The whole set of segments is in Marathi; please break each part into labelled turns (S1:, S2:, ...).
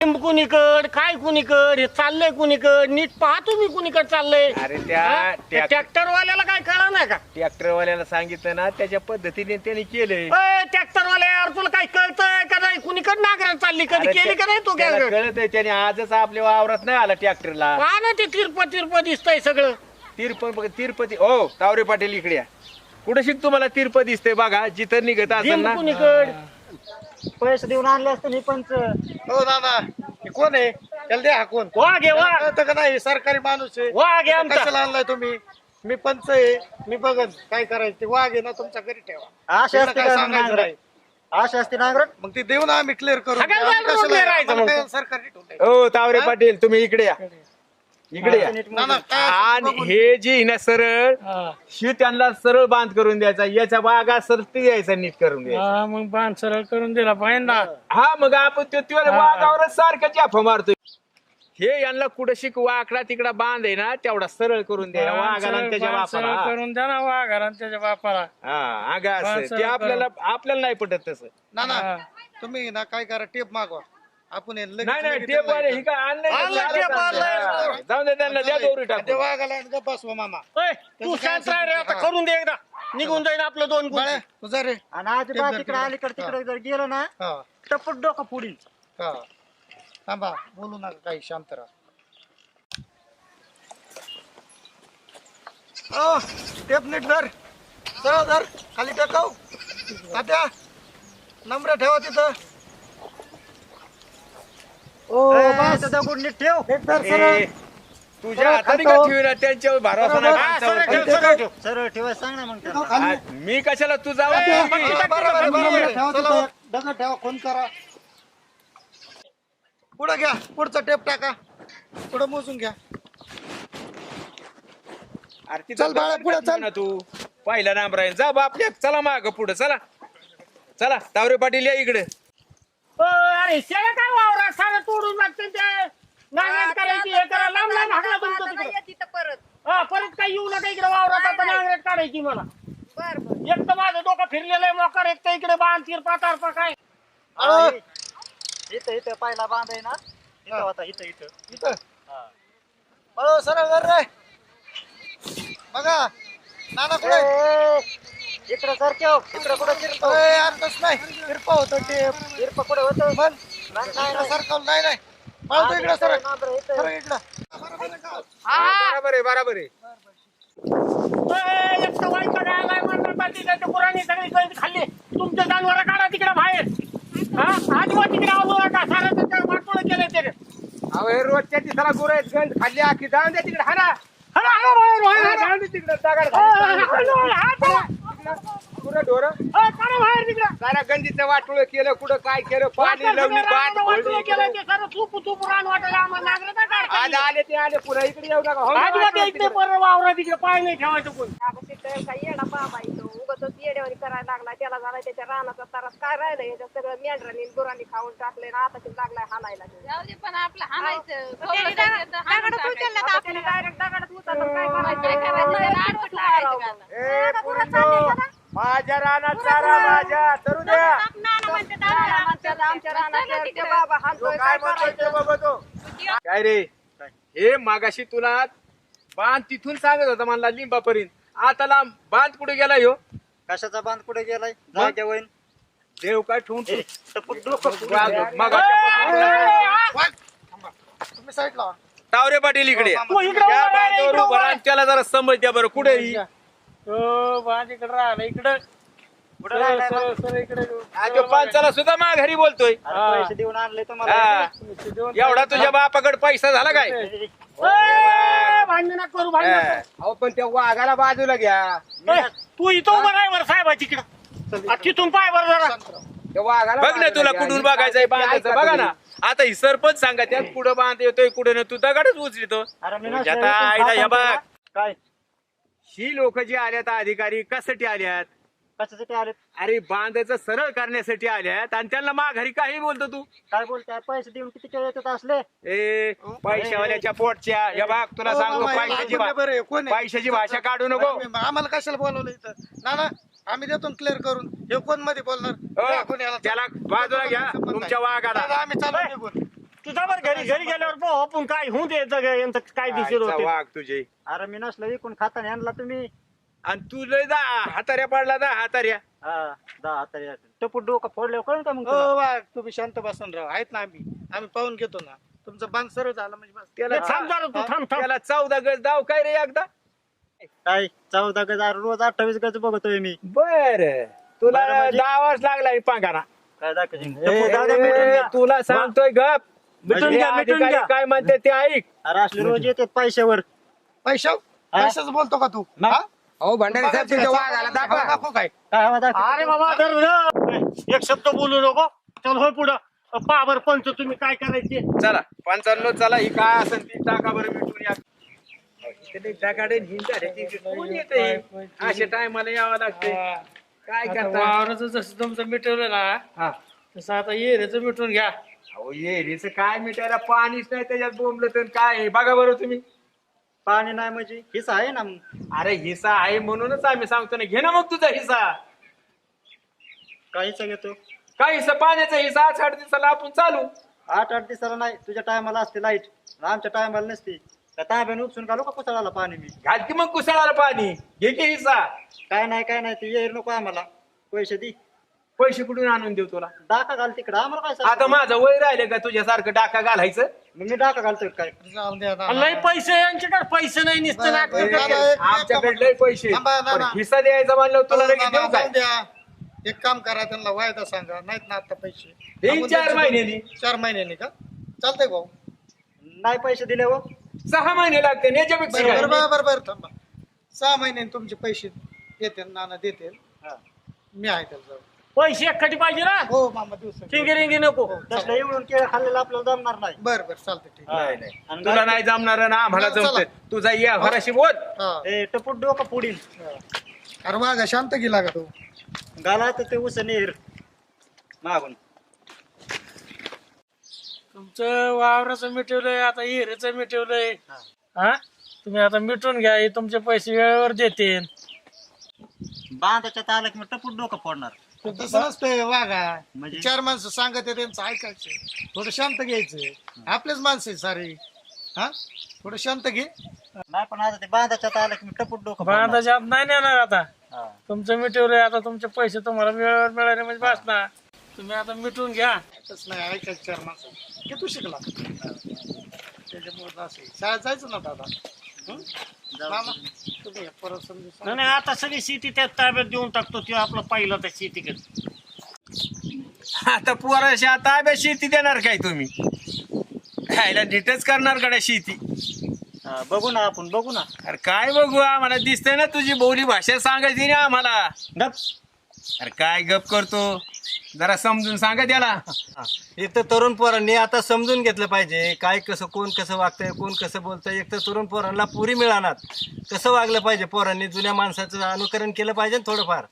S1: कुणीकड काय कुणीकड हे चाललंय कुणीकड नीट पाहा तुम्ही कुणीकड चाललंय.
S2: अरे त्या
S1: ट्रॅक्टर वाल्याला काय कळा नाही का?
S2: ट्रॅक्टरवाल्याला सांगितलं ना त्याच्या पद्धतीने त्यांनी केलंय.
S1: ट्रॅक्टर वाल्या यार तुला काय कळतंय का नाही? कुणीकड नागरात चालली कधी केली का नाही तू?
S2: कळतंय त्याने आजच आपल्या वावरात नाही आला ट्रॅक्टरला.
S1: पहा ना ते तिरप दिसतंय सगळं.
S2: तिरुपती ओ तावरे पाटील इकडे या. कुठे शिक तुम्हाला तिरप दिसतंय बघा जिथं निघत असेल ना.
S1: कुणीकड
S3: पैसे देऊन आणले असते मी पंच.
S4: हो दादा हे कोण आहे? त्याला द्या हाकून.
S1: वाघ आहे वाघ.
S4: कळतं का नाही? सरकारी माणूस आहे.
S1: वाघ आहे आमचा.
S4: कशाला आणलाय तुम्ही? मी पंच आहे. मी बघन काय करायचं ते. वाघ आहे ना तुमच्या घरी ठेवा.
S3: आशा
S4: त्याला
S3: असते
S4: काय
S3: का
S4: सांगायचं
S3: नांगरट?
S4: नाही.
S3: आशा असते नांगरट.
S4: मग ते देऊ ना आम्ही क्लिअर करू.
S1: सगळ्या
S4: आम्ही
S1: जागेवर
S4: कशाला-
S1: राहायचं
S4: आम्हाला
S1: मग.
S4: काय सरकारी ठेवलंय?
S2: ओ तावरे पाटील तुम्ही इकडे या. इकडे या.
S4: ना ना काय
S2: आणि
S4: असं बघून-
S2: हे जी ना सरळ शी त्यांना सरळ बांध करून द्यायचा. याच्या बागा सरती द्यायचा नीट करून द्यायचा.
S1: मग बांध सरळ करून दिला पाहिजे ना.
S2: हा मग आपण ते वाघावरच सारखं जाफा मारतोय. हे यांना कुठं शिक वाकडा तिकडा बांध आहे ना तेवढा सरळ करून द्या वाघाला आणि त्याच्या बापाला.
S1: करून द्या ना वाघाला आणि त्याच्या बापाला.
S2: हा अगं असं ते आपल्याला नाही पटत तसं.
S4: ना ना तुम्ही ना काय करा टेप मागवा. आपण हे लगेच-
S2: नाही
S4: लगेच
S2: टेप वाले ही काय
S4: आणलंय टेप आणलंय.
S2: जाऊन दे त्यांना द्या दोरी
S4: ते
S2: टाकून.
S4: वाघाला आणि गप्प बसवा मामा.
S1: तू शांत राह रे आता. करून दे एकदा. निघून जाईन आपलं दोन गुण.
S4: बाळा तुझा रे.
S3: आणि आजोबा तिकडे अलीकडे तिकडे जर गेलो ना
S4: हा
S3: टपट डोकं पुढील.
S4: हा थांबा बोलू नका काही शांत राहा. टेप नीट धर. सरळ धर. खाली टेकव. तात्या नंबर ठेवा तिथं.
S3: दगड नीट ठेव.
S4: नीट धर सरळ.
S2: ए, तुझ्या हाताने का ठेवीला त्यांच्यावर भरोसा नाही
S1: हा, सरळ
S2: माणसावर.
S1: ठेव, सरळ ठेव.
S3: सरळ ठेवा सांग ना मग त्यांना.
S2: आ, मी कशाला तू जाऊ
S4: बरोबर ठेवा तिथं. दगड ठेवा. फोन करा. पुढं घ्या. पुढचा टेप टाका. पुढं मोजून घ्या. चल बाळा, पुढं चल.
S2: ना तू पहिला नाम राहील जा बापल्या. चला माग पुढे चला. चला तावरे पाटील या इकडे.
S1: अरे शेळ्या काय वावरात सारं तोडून लागते ते. नांगरट करायची हे करा. लांब लांब हाकला तुमचं तिकडं. परत काही येऊ नका इकडे वावरात. आता नांगरट काढायची मला. एक तर माझं डोकं फिरलेलं आहे मोकार. एक तर इकडे बांध तिरपा तारपा काय.
S3: इथं इथं पहिला बांध आहे ना इथं होता. इथं इथं
S4: इथं हळू सरळ धर रे. बघा नाना कुठे?
S3: इकडं सर ठेव. इकडं कुठं चिरतो?
S4: अर्थच नाही. किरपा होतं टेप.
S3: चिरपा कुठं होतं?
S4: मन
S3: नाही
S4: सरकवलं नाही नाही. पळतो इकडं सरळ. सरळ इकडं.
S2: बरोबर आहे बरोबर आहे.
S1: एक तर वाईट आलाय म्हणणार पाहिजे. त्याच्या पुराणी सगळी गळती खाल्ली. तुमच्या जानवर काढा तिकडे बाहेर. आज मग तिकडे आलो नका. सारं त्याच्या वाटोळं केलं ते.
S2: अहो हे रोजच्या दिसाला गुरं आहेत गंज खाल्ली आखी जाऊन द्या तिकडे हाना.
S1: हळू, हळू, बाहेर, बाहेर.
S2: जाऊन दे तिकडे दगड गुरं ढोरं
S1: काढा बाहेर तिकडे.
S2: जरा गंजीचं वाटोळं केलं कुठं काय केलं पाणी लावली बाट फोडली
S1: केलं ते सारं चूप चूप रान वाटायला आम्हाला नांगरट नाही काढता
S2: आज
S1: येत.
S2: आले ते आले पुन्हा इकडे येऊ नका हो ना,
S1: आजोबा ते
S2: वाटोळं
S1: इकडे
S2: तिकडे.
S1: परत वावरा तिकडे पाय नाही ठेवायचं कोण.
S5: काही येडा बाबा येतो उगाच येड्यावानी करायला लागला. त्याला झाला त्याच्या रानाचा तारास काय राहिलं याच्यात सगळं मेंढरांनी गुरांनी खाऊन टाकले ना. आता ते लागलाय हाणायला.
S6: जाऊ दे पण आपलं हाणायचं.
S5: दगडात उचलला तर आपल्याला डायरेक्ट दगडात उचललं. काय करायचं?
S6: काय करायचं? त्याला आडवं लागायचं का आता?
S2: ए, पुरीनो, माझ्या रानात चारा माझ्या तरू द्या.
S5: आमच्या रानात ते बाबा
S2: तो
S5: हाणतोय.
S2: काय म्हणतोय ते बघ तो. काय रे हे मागाशी तुला बांध तिथून सांगत होता मला लिंबापर्यंत. आता लांब बांध कुठे गेला ह्यो?
S3: कशाचा बांध कुठे गेलाय? जाग्या वैन.
S2: देव काय ठेवून
S3: टपट डोकं पुढील.
S4: तुम्ही साईड लावा.
S2: तावरे पाटील इकडे
S1: तू इकडे
S2: त्या
S1: उभा राहा,
S2: बांधावर
S1: इकडे
S2: उभं
S1: उभा
S2: राहा आणि त्याला जरा समज द्या बरं कुठे
S1: बांध इकडे राहिला इकडे.
S3: कुठं राहिलाय बा?
S2: तो पांचाला सुद्धा घरी बोलतोय.
S3: अरे पैसे देऊन आणले तुम्हाला.
S2: हा. एवढा तुझ्या बापाकडे पैसा झाला काय?
S1: भांडण नका करू भांडण नका करू.
S2: अहो पण त्या वाघाला बाजूला घ्या.
S1: तू इथं उभा राह बरं साहेब तिकडं. तिथून पाय बरं जरा.
S2: त्या वाघाला बघ ना तुला कुठून बघायचंय बांधायचं बघा ना. आता ही सरपंच सांगा त्यात कुठं बांध येतोय कुठं ना तू दगडच उचलितो.
S3: अरे मी
S2: तुझ्या आता आईला हे बघ
S3: काय
S2: ही लोक जी आल्यात अधिकारी कशासाठी आल्यात?
S3: कशासाठी आले?
S2: अरे बांधायचं सरळ करण्यासाठी आल्यात आणि त्यांना माघारी काही बोलतो तू.
S3: काय बोलताय? पैसे देऊन किती केळ येतात असले?
S2: ए पैशावाल्याच्या पोटच्या हे बघ तुला सांगतो पैशाची भाषा काढू नको.
S4: आम्हाला कशाला बोलवलं इथं? नाना आम्ही देतो क्लिअर करून. हे कोण मध्ये बोलणार?
S2: त्याला बाजूला घ्या तुमच्या वाघाला.
S4: आम्ही चालू निघून.
S1: तुझा बरं घरी गेल्यावर पाहू आपण काय होऊन दे यांचं काय दिसेल
S2: आईचा
S1: होते
S2: वाघ तुझे.
S3: अरे मी नसलं विकून खाता आणला तुम्ही.
S2: आणि तू लय हाताऱ्या पडला हाताऱ्या.
S3: हा 10,000 टपूट डोकं फोडल्यावर कळून का मग
S4: हो
S3: तुला?
S4: वाघ तुम्ही शांत बसून राहा. आहेत ना आम्ही पाहून घेतो ना. तुमचं बांध सरळ झालं म्हणजे बस.
S2: त्याला
S1: थांब जरा तू थांब
S2: त्याला 14 गज दाव काय रे एकदा.
S3: काय 14 गज रोज 28 गज बघतोय मी.
S2: बर तुला
S3: बरं म्हणजे?
S2: 10 वर्ष लागला पांघाना.
S3: काय दाखवशील?
S2: ए,
S3: टपूट दादा मिटून घ्या.
S2: तुला सांगतोय गप.
S1: मिटून
S2: म्हणजे
S1: घ्या,
S2: या
S1: मिटून
S2: ठिकाणी
S1: घ्या.
S2: काय म्हणते ते ऐक.
S3: अरे असले रोज येतात पैशावर.
S4: पैशाच बोलतो का तू?
S3: मग?
S4: हा?
S2: हो भंडारी साहेब तुझ्या वाघाला दाखवा.
S4: दाखव काय?
S3: काय हवा दाखव?
S1: अरे बाबा एक शब्द बोलू नको. चल होय पुढं पहा बरं पंच तुम्ही काय करायचे.
S2: चला 55 चला ही काय असेल ती टाका बरं मिटून या. इकडे टाकाडे हिंडा रे, ती कोण येते अशा टायमाला यावं लागते. काय करता.
S7: वावराचं जसं तुमचं मिटवलं ना
S2: हा.
S7: तसं आता येऱ्याचं मिटून घ्या.
S2: अहो येरीचं काय मिटायला पाणीच नाही त्याच्यात बोंबलं तर काय आहे? बघा बरं तुम्ही.
S3: पाणी नाही म्हणजे हिस्सा आहे ना मग.
S2: अरे हिस्सा आहे म्हणूनच आम्ही सांगतो ना, घे ना मग तुझा हिस्सा.
S3: काहीच घेतो.
S2: काय हिस्सा पाण्याचा हिस्सा 8 दिवसाला आपण चालू.
S3: 8-8 दिवसाला नाही. तुझ्या टायमाला असते लाईट, आमच्या टायमाला नसते. त्या तांब्याने उपसून घालू का कुसळाला पाणी मी?
S2: घाल की मग कुसळाला पाणी. घे की हिस्सा.
S3: काय नाही ते येईल नको आम्हाला. पैसे दे.
S2: पैसे कुठून आणून देऊ तुला.
S3: डाका घाल तिकडं आम्हाला काय
S2: आता
S3: सांगतो?
S2: माझं वय राहिले का तुझ्यासारखं डाका घालायचं.
S3: मग मी डाका घालतोय काय?
S4: जाऊन द्या ना.
S1: लय पैसे यांच्याकडे पैसे नाही निसतं नाटकं
S4: बरं,
S1: करते.
S4: बरं.
S2: आमच्याकडे लय पैसे.
S4: थांबा, ना,
S2: पण
S4: ना.
S2: हिस्सा द्यायचा म्हणलं तुला लगेच देऊ काय.
S4: जाऊन द्या. एक काम करा, त्यांना वायदा सांगा. नाहीत ना आता पैसे.
S2: देईन 4 महिन्यांनी.
S4: 4 महिन्यांनी का? चालतंय भाऊ.
S3: नाही पैसे दिले हो.
S2: 6 महिने लागते याच्यापेक्षा काय.
S4: बरोबर थांबा. 6 महिन्यांनी तुमचे पैसे येते नाना देते. मी आहे त्याला जाऊ.
S1: पैसे एकटी पाहिजे ना.
S4: हो मामा दिवस.
S1: ठिंगी रिंगी नको.
S3: तसलं एवढून केळं खाल्लेलं आपल्याला जमणार नाही.
S4: बरं चालतंय ठीक आहे.
S2: नाही.
S3: आणि
S2: तुला नाही जमणार ना आम्हाला
S4: चला.
S2: जमत. तुझा या घराशी बोल.
S4: हा.
S3: ए, टपूट डोकं पुढील
S4: अरे वागा शांत गेला का तू?
S3: घाला तर ते उस नेर मागून.
S7: तुमचं वावराचं मिटवलंय, आता येऱ्याचं मिटवलंय. हा तुम्ही आता मिटून घ्या. हे तुमचे पैसे वेळेवर देतील.
S3: बांधाच्या आलं की मग टपूट डोकं फोडणार.
S4: तसं नसतंय वागा.
S3: म्हणजे?
S4: 4 माणसं सांगत आहे त्यांचं ऐकायचं. थोडं शांत घ्यायचं. आपलेच माणसं आहे सारे. हा थोडं शांत घे.
S3: नाही पण आता ते बांधाच्या आलं की मी टपूट डोकं फोडणार.
S7: बांधाच्या आत नाही नेणार आता.
S3: हा.
S7: तुमचं मिटवलंय, आता तुमचे पैसे तुम्हाला वेळेवर मिळाले म्हणजे बस ना. तुम्ही आता मिटून घ्या.
S4: तसं नाही ऐकायचं 4 माणसं. की तू शिकला त्याच्यामुळे असं शाळेत जायचं ना दादा. मामा तुम्ही परत समजून सांगा.
S1: नाही आता सगळी शेती त्या ताब्यात देऊन टाकतो. ते आपलं पाहिलं त्या शेतीकडे.
S2: आता पोराशी ताब्यात शेती देणार काय तुम्ही. खायला नीटच करणार कडे शेती.
S3: हा, बघू ना आपण बघू ना.
S2: अरे काय बघू आम्हाला दिसतंय ना तुझी बोली भाषा सांगायची ना आम्हाला.
S3: गप.
S2: अरे काय गप करतो. जरा समजून सांगा त्याला.
S8: एक तर तरुण पोरांनी आता समजून घेतलं पाहिजे काय कसं कोण कसं वागतंय कोण कसं बोलतंय. एक तर तरुण पोरांना पुरी मिळणार कसं वागलं पाहिजे. पोरांनी जुन्या माणसाचं अनुकरण केलं पाहिजे ना थोडंफार.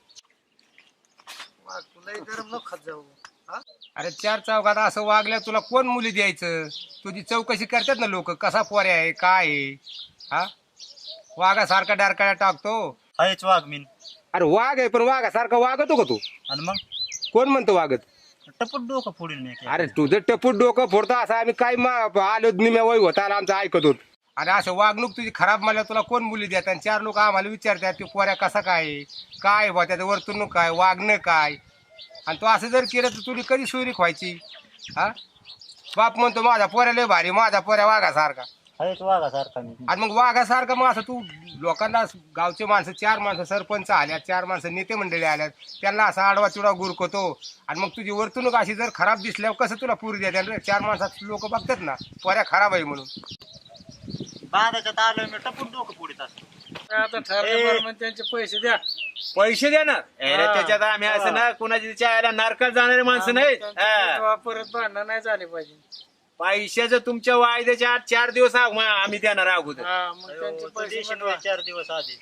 S4: वा, तुलाही गरम न खात जाऊ. हा
S2: अरे 4 चौकात असं वागल्या तुला कोण मुली द्यायचं. तुझी चौकशी करतात ना लोक कसा पोऱ्या आहे काय आहे. हा वाघासारखा डारकाळ्या टाकतो.
S3: आहेच वाघमीन.
S2: अरे वाघ आहे पण वाघासारखा वागतो का तू.
S3: आणि मग
S2: कोण म्हणतो वागत.
S3: टपूट डोकं फोडील मी.
S2: अरे तुझं टपूट डोकं फोडतो असं आम्ही काय आलो निम्या वय होता आमचं ऐकत होत. अरे असं वागणूक तुझी खराब म्हणल्या तुला कोण मुली देतात. आणि 4 लोक आम्हाला विचारतात की पोऱ्या कसा काय काय बा त्याचं वर्तणूक काय वागणं काय. आणि तू असं जर केलं तर तुला कधी सोयरीक व्हायची. हा बाप म्हणतो माझा पोऱ्या लय भारी माझा पोऱ्या वाघासारखा.
S3: आहेच वाघासारखा मी.
S2: आणि मग वाघासारखं मग असं तू लोकांना गावचे माणसं 4 माणसं सरपंच आल्यात 4 माणसं नेते मंडळी आल्यात त्यांना असा आडवा चुडा गुरकतो. आणि मग तुझी वर्तणूक अशी जर खराब दिसल्यावर कसं तुला पुरी द्या. 4 माणसात लोक बघतात ना पोऱ्या खराब आहे म्हणून.
S3: बांधाच्या आलं मी टपूट डोकं फोडीत असतो.
S7: आता ठरल्याप्रमाणे त्यांचे पैसे द्या.
S2: पैसे देणार त्याच्यात आम्ही असं ना कुणाच्या चायला नारकात जाणारे माणसं नाहीत.
S7: तेव्हा परत भांडणं नाही झाले पाहिजे.
S2: पैशाचं तुमच्या वायद्याच्या आत 4 दिवस आम्ही देणार अगोदर.
S7: हा मग त्यांचे पैसे
S3: देशील
S7: मिटवा.
S3: 4 दिवस आधी.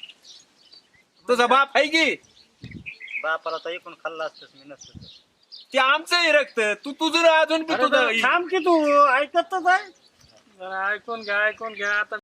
S2: तुझा बाप आहे की
S3: बापाला तर एकूण खाल्ला असतच मी नसतं.
S2: ते आमचंही रक्त तू तुझं अजून बी
S1: अरे
S2: तुझं
S1: थांब की तू ऐकत तर आहे.
S7: जरा ऐकून घ्या आता